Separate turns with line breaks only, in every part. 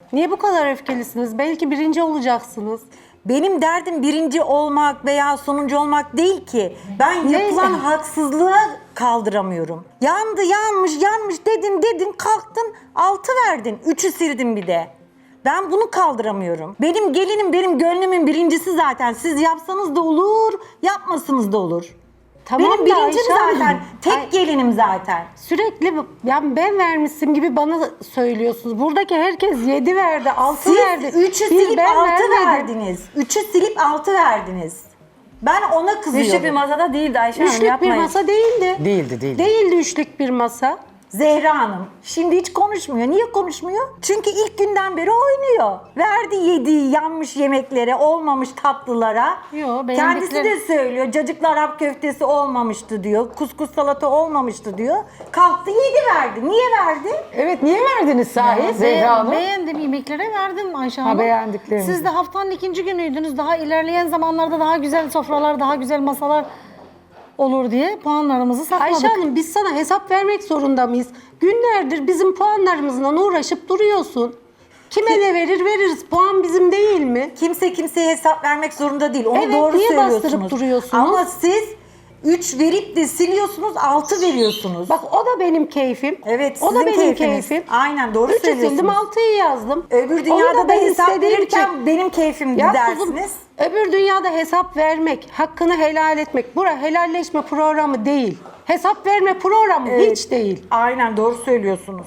Niye bu kadar öfkelisiniz? Belki birinci olacaksınız.
Benim derdim birinci olmak veya sonuncu olmak değil ki. Ben yapılan haksızlığı kaldıramıyorum. Yandı, yanmış dedin, kalktın, 6 verdin. 3'ü sildin bir de. Ben bunu kaldıramıyorum. Benim gelinim benim gönlümün birincisi zaten. Siz yapsanız da olur, yapmasanız da olur.
Tamam
Benim
da
birincim
Ayşe Hanım,
zaten. Tek gelinim zaten.
Sürekli yani ben vermişsim gibi bana söylüyorsunuz. Buradaki herkes 7 verdi, 6
Siz
verdi.
3'ü
Bir
silip
ben
6
vermedim.
verdiniz. 3'ü silip 6 verdiniz. Ben ona kızıyorum.
Üçlük bir masada değildi Ayşe Hanım,
Üçlük bir
yapmayın.
masa değildi.
Değildi.
Değildi üçlük bir masa.
Zehra Hanım şimdi hiç konuşmuyor. Niye konuşmuyor? Çünkü ilk günden beri oynuyor. Verdi yediği yanmış yemeklere, olmamış tatlılara.
Yo,
Kendisi
beğendikleri-
de söylüyor. Cacıklı Arap köftesi olmamıştı diyor. Kuskus salata olmamıştı diyor. Kalktı 7 verdi. Niye verdi?
Evet, niye verdiniz sahi Zehra Hanım?
Beğendim yemeklere verdim Ayşe Hanım.
beğendiklerinizi.
Siz de haftanın ikinci günüydünüz. Daha ilerleyen zamanlarda daha güzel sofralar, daha güzel masalar olur diye puanlarımızı sakladık.
Ayşe Hanım biz sana hesap vermek zorunda mıyız? Günlerdir bizim puanlarımızla uğraşıp duruyorsun. Kime ne verir veririz. Puan bizim değil mi?
Kimse kimseye hesap vermek zorunda değil. Onu
Evet,
doğru
niye
söylüyorsunuz.
bastırıp duruyorsunuz?
Ama siz 3 verip de siliyorsunuz, 6 veriyorsunuz.
Bak o da benim keyfim.
Evet,
o da
sizin
benim
keyfiniz.
keyfim.
Aynen, doğru
3'ü
söylüyorsunuz.
sildim 6'yı yazdım.
Öbür
Onu
dünyada da
ben
hesap
istediğim
verirken
için-
benim keyfimdi
Ya
dersiniz.
kuzum, öbür dünyada hesap vermek, hakkını helal etmek. Bura helalleşme programı değil. Hesap verme programı hiç değil.
Aynen doğru söylüyorsunuz.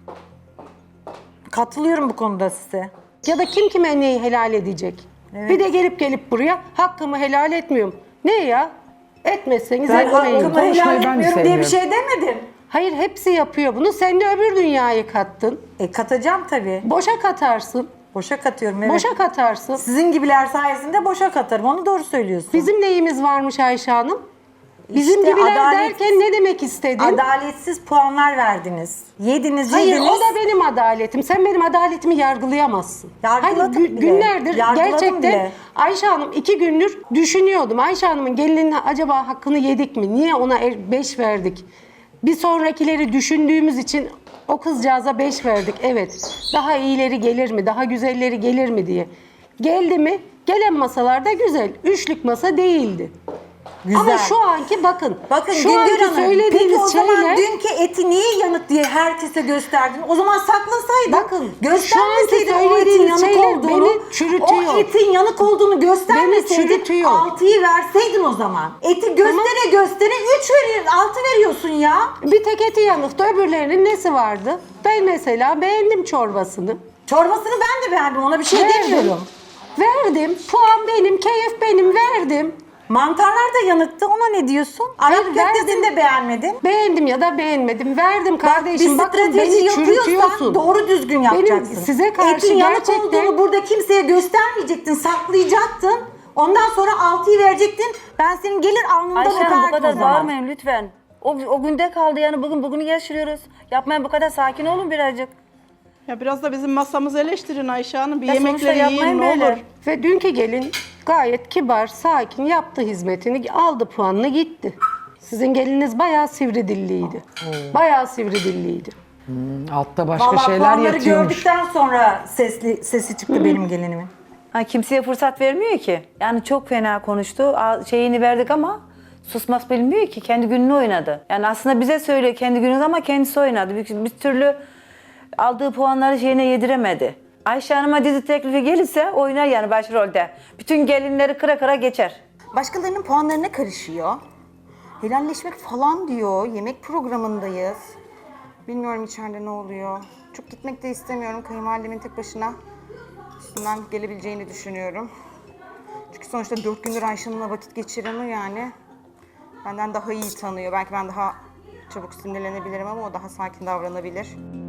Katılıyorum bu konuda size.
Ya da kim kime neyi helal edecek? Bir de gelip buraya hakkımı helal etmiyorum. Ne ya? Etmezseniz
Ben
etmeyin.
hakkımı
Konuşmayı
helal
ben de
etmiyorum diye bir
sevmiyorum.
şey demedim.
Hayır hepsi yapıyor bunu. Sen de öbür dünyayı kattın.
Katacağım tabii.
Boşa katarsın.
Boşa katıyorum evet.
Boşa katarsın.
Sizin gibiler sayesinde boşa katarım. Onu doğru söylüyorsun.
Bizim neyimiz varmış Ayşe Hanım? Bizim
İşte
gibiler
adalet-
derken ne demek istedin?
Adaletsiz puanlar verdiniz. Yediniz.
Hayır o da benim adaletim. Sen benim adaletimi yargılayamazsın.
Yargıladım
Hayır,
bile.
günlerdir
Yargıladım
gerçekten
bile.
Ayşe Hanım 2 gündür düşünüyordum. Ayşe Hanım'ın gelinine acaba hakkını yedik mi? Niye ona 5 verdik? Bir sonrakileri düşündüğümüz için o kızcağıza 5 verdik. Evet. Daha iyileri gelir mi? Daha güzelleri gelir mi diye. Geldi mi? Gelen masalarda güzel. Üçlük masa değildi.
Güzel.
Ama şu anki bakın.
Bakın
şu
Güngör
anki
Hanım, peki
söylediğiniz
o zaman
şeyler...
dünkü eti niye yanık diye herkese gösterdin? O zaman saklasaydın.
Bakın,
göstermeseydin
şu anki
o etin
söylediğiniz
yanık
şeyler
olduğunu.
beni çürütüyor.
O etin yanık olduğunu göstermeseydin
Beni çürütüyor.
6'yı verseydin o zaman. Eti göstere 3 verir, 6 veriyorsun ya.
Bir tek eti yanıktı, öbürlerinin nesi vardı? Ben mesela beğendim çorbasını.
Çorbasını ben de beğendim, ona bir şey
Verdim.
demiyorum.
Verdim, puan benim, keyif benim, verdim.
Mantarlar da yanıktı, ona ne diyorsun?
Hayır,
Arap köftesini
verdim.
de beğenmedin.
Beğendim ya da beğenmedim, verdim
Bak
kardeşim.
bir
Bakın
strateji
beni
yapıyorsan
çürütüyorsun.
doğru düzgün yapacaksın.
Benim size karşı
Etin yanık
gerçekten...
olduğunu burada kimseye göstermeyecektin, saklayacaktın. Ondan sonra 6'yı verecektin. Ben senin gelir alnından
Ayşe Hanım bu
öperdim o
kadar
zaman.
bağırmayın lütfen. O günde kaldı yani bugünü yaşıyoruz. Yapmayın bu kadar sakin olun birazcık.
Ya biraz da bizim masamızı eleştirin Ayşe Hanım. Bir
Ya sonuçta
yemekleri yiyin
yapmayın
ne
böyle.
olur.
Ve dünkü gelin gayet kibar, sakin yaptı hizmetini, aldı puanını gitti. Sizin geliniz bayağı sivri dilliydi. Bayağı sivri dilliydi.
Altta başka
Vallahi
şeyler
puanları
yatıyormuş.
gördükten sonra sesi çıktı benim gelinimin.
Ha, kimseye fırsat vermiyor ki. Yani çok fena konuştu. Şeyini verdik ama susmaz bilmiyor ki. Kendi gününü oynadı. Yani aslında bize söylüyor kendi gününü ama kendisi oynadı. Bir türlü aldığı puanları şeyine yediremedi. Ayşe Hanım'a dizi teklifi gelirse oynar yani başrolde. Bütün gelinleri kıra kıra geçer.
Başkalarının puanlarına karışıyor. Helalleşmek falan diyor. Yemek programındayız. Bilmiyorum içeride ne oluyor. Çok gitmek de istemiyorum. Kayınvalidemin tek başına üstünden gelebileceğini düşünüyorum. Çünkü sonuçta 4 gündür Ayşen'le vakit geçiremiyor yani. Benden daha iyi tanıyor. Belki ben daha çabuk sinirlenebilirim ama o daha sakin davranabilir.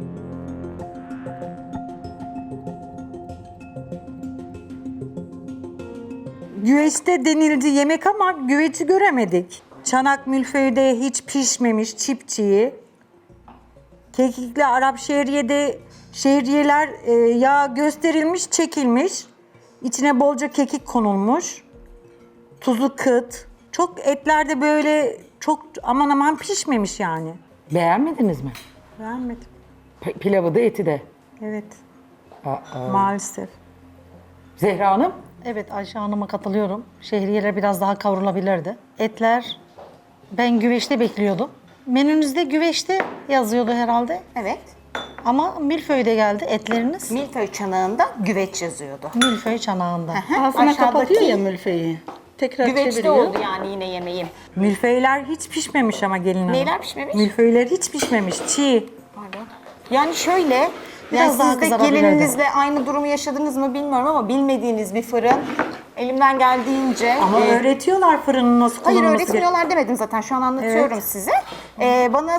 Güveçte denildi yemek ama güveci göremedik. Çanak mülföyde hiç pişmemiş çipçiyi. Kekikli Arap şehriyeler yağ gösterilmiş, çekilmiş. İçine bolca kekik konulmuş. Tuzu kıt. Çok etlerde böyle çok aman aman pişmemiş yani.
Beğenmediniz mi?
Beğenmedim.
Pilavı da eti de.
Evet. Maalesef.
Zehra Hanım?
Evet, Ayşe Hanım'a katılıyorum. Şehriyeler biraz daha kavrulabilirdi. Etler ben güveçte bekliyordum. Menünüzde güveçte yazıyordu herhalde.
Evet.
Ama milföyde geldi etleriniz.
Milföy çanağında güveç yazıyordu.
Milföy çanağında.
Ağzına
Aşağıdaki
kapatıyor ya mülfeyi. Tekrar
güveçte
çeviriyor.
oldu yani yine yemeğim.
Milföyler hiç pişmemiş ama gelin hanım.
Neyler pişmemiş?
Milföyler hiç pişmemiş. Çiğ.
Pardon. Yani şöyle,
Biraz daha
siz de
kızarabilirdi.
gelininizle aynı durumu yaşadınız mı bilmiyorum ama bilmediğiniz bir fırın. Elimden geldiğince...
Ama öğretiyorlar fırının nasıl
Hayır
kullanılması
öğretmiyorlar demedim zaten şu an anlatıyorum size. Bana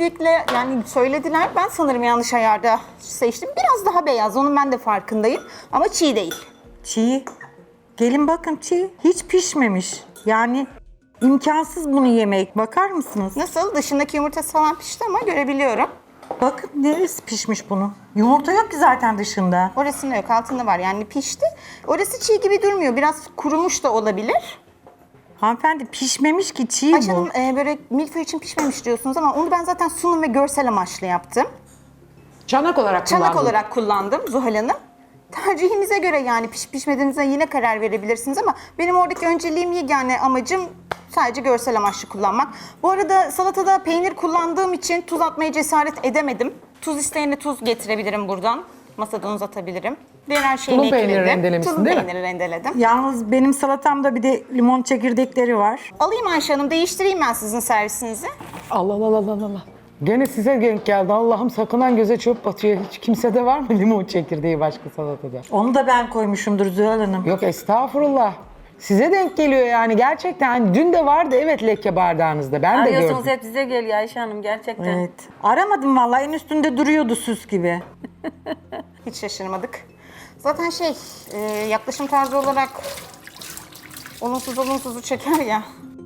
söylediler ben sanırım yanlış ayarda seçtim. Biraz daha beyaz onun ben de farkındayım ama çiğ değil.
Çiğ. Gelin bakın çiğ. Hiç pişmemiş. Yani imkansız bunu yemek. Bakar mısınız?
Nasıl? Dışındaki yumurtası falan pişti ama görebiliyorum.
Bakın neresi pişmiş bunun? Yumurta yok ki zaten dışında.
Orasında yok altında var yani pişti. Orası çiğ gibi durmuyor biraz kurumuş da olabilir.
Hanımefendi pişmemiş ki çiğ
Ayşe
bu.
Hanım böyle milföy için pişmemiş diyorsunuz ama onu ben zaten sunum ve görsel amaçlı yaptım.
Çanak olarak
Çanak
kullandın.
olarak kullandım Zuhal Hanım. Tercihinize göre yani pişip pişmediğinize yine karar verebilirsiniz ama benim oradaki önceliğim yegane amacım sadece görsel amaçlı kullanmak. Bu arada salatada peynir kullandığım için tuz atmaya cesaret edemedim. Tuz isteyene tuz getirebilirim buradan. Masadan uzatabilirim. Diğer her şeyini
Tulum peyniri
ekledim.
rendelemişsin,
Tulum
değil mi?
peyniri rendeledim.
Yalnız benim salatamda bir de limon çekirdekleri var.
Alayım Ayşe Hanım değiştireyim ben sizin servisinizi.
Allah Allah Allah Allah Allah. Gene size denk geldi. Allah'ım sakınan göze çöp batıyor. Hiç kimsede var mı limon çekirdeği başka salatada?
Onu da ben koymuşumdur Zühal Hanım.
Yok estağfurullah. Size denk geliyor yani gerçekten. Hani dün de vardı evet leke bardağınızda. Ben de
Arıyorsunuz
gördüm.
hep size geliyor Ayşe Hanım gerçekten.
Evet. Aramadım vallahi en üstünde duruyordu süs gibi.
Hiç şaşırmadık. Zaten yaklaşım tarzı olarak olumsuzu çeker ya.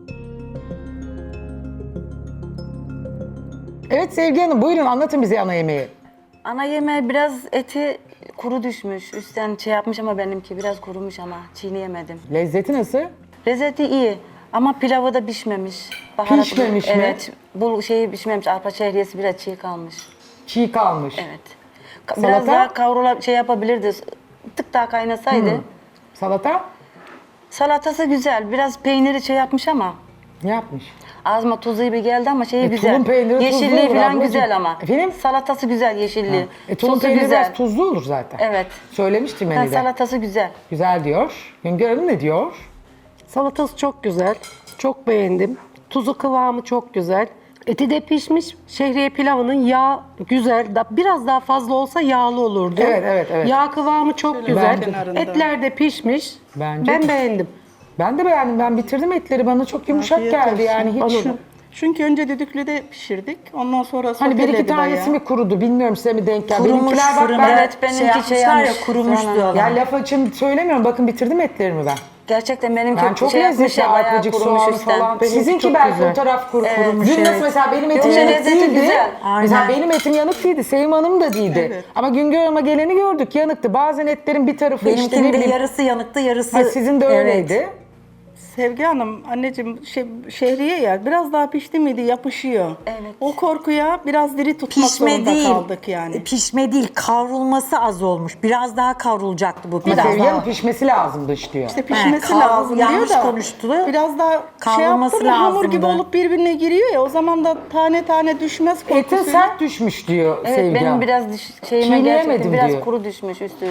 Evet Sevgi Hanım buyurun anlatın bize ana yemeği.
Ana yemeği biraz eti kuru düşmüş. Üstten yapmış ama benimki biraz kurumuş ama çiğneyemedim.
Lezzeti nasıl?
Lezzeti iyi ama pilavı da pişmemiş.
Pişmemiş mi?
Evet. Bu şeyi pişmemiş. Arpa şehriyesi biraz çiğ kalmış.
Çiğ kalmış.
Evet. Biraz
Salata?
daha kavrula yapabilirdi. Tık daha kaynasaydı.
Salata
Salatası güzel. Biraz peyniri yapmış ama
ne yapmış?
ağzıma tuzlu gibi geldi ama şeyi güzel.
tulum peyniri tuzlu
Yeşilliği
olur
falan
ablacığım.
güzel ama.
Efendim?
Salatası güzel yeşilliği.
Tulum
Sosu
peyniri
güzel.
biraz tuzlu olur zaten.
Evet.
Söylemiştim
Ha,
menüde.
salatası güzel.
Güzel diyor. Güngör Hanım ne diyor?
Salatası çok güzel. Çok beğendim. Tuzu kıvamı çok güzel. Eti de pişmiş. Şehriye pilavının yağ güzel. Biraz daha fazla olsa yağlı olurdu.
Evet, evet, evet.
Yağ kıvamı çok güzel.
kenarında.
Etler de pişmiş.
Bence
Ben
de.
beğendim.
Ben de beğendim. Ben bitirdim etleri. Bana çok yumuşak
Afiyet
geldi
olsun.
yani hiç.
Çünkü önce düdüklüde pişirdik. Ondan sonra
Hani bir iki
soteledi
tanesi
bayağı.
mi kurudu bilmiyorum size mi denk geldi.
Kurumuş
Benimkiler bak
fırında.
ben
Evet, benimki
yapmışlar ya
yapmış.
kurumuş
Sonra-
diyorlar.
ya laf açın söylemiyorum. Bakın bitirdim etlerimi ben.
Gerçekten benimki
Ben çok
yapmış
lezzetli
ya, bayağı
arpacık
kurumuş
soğanı
üstten.
falan.
Benimki
Sizinki
çok
belki
güzel.
o taraf kurumuş.
Evet.
Dün nasıl mesela benim etim
Yoksa
yanık
lezzeti
değildi.
güzel.
Mesela
Aynen.
benim etim yanık değildi. Sevim Hanım da değildi.
Evet.
Ama Güngör Hanım'a geleni gördük yanıktı. Bazen etlerin bir tarafı işte ne
Benimkinin de
bileyim.
yarısı yanıktı yarısı...
Ha, sizin de
Evet.
öyleydi.
Sevgi Hanım, anneciğim şehriye ya biraz daha pişti miydi yapışıyor.
Evet.
O korkuya biraz diri tutmak
Pişme
zorunda
değil.
kaldık yani.
Pişme değil, kavrulması az olmuş. Biraz daha kavrulacaktı bu.
Ama
Biraz
Sevgi
daha.
Hanım pişmesi lazımmış diyor.
İşte pişmesi
kavrul-
lazım diyor
yanlış
da.
konuştu.
Biraz daha
Kavrulması
yaptı mı hamur gibi
lazımdı.
olup birbirine giriyor ya o zaman da tane tane düşmez
Etin
korkusuyla.
sert düşmüş diyor
Evet
Sevgi
benim
Hanım.
biraz şeyime
Çiğneyemedim
gerçekten biraz
diyor.
kuru düşmüş üstü.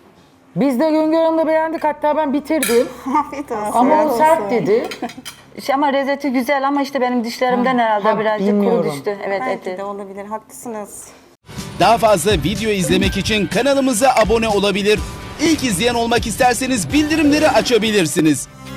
Biz de Güngör Hanım'la beğendik. Hatta ben bitirdim.
Afiyet olsun.
Ama o
olsun.
sert dedi.
Ama lezzeti güzel ama işte benim dişlerimden herhalde
ha,
birazcık
bilmiyorum.
kuru düştü. Evet
Belki
eti.
de olabilir haklısınız.
Daha fazla video izlemek için kanalımıza abone olabilir. İlk izleyen olmak isterseniz bildirimleri açabilirsiniz.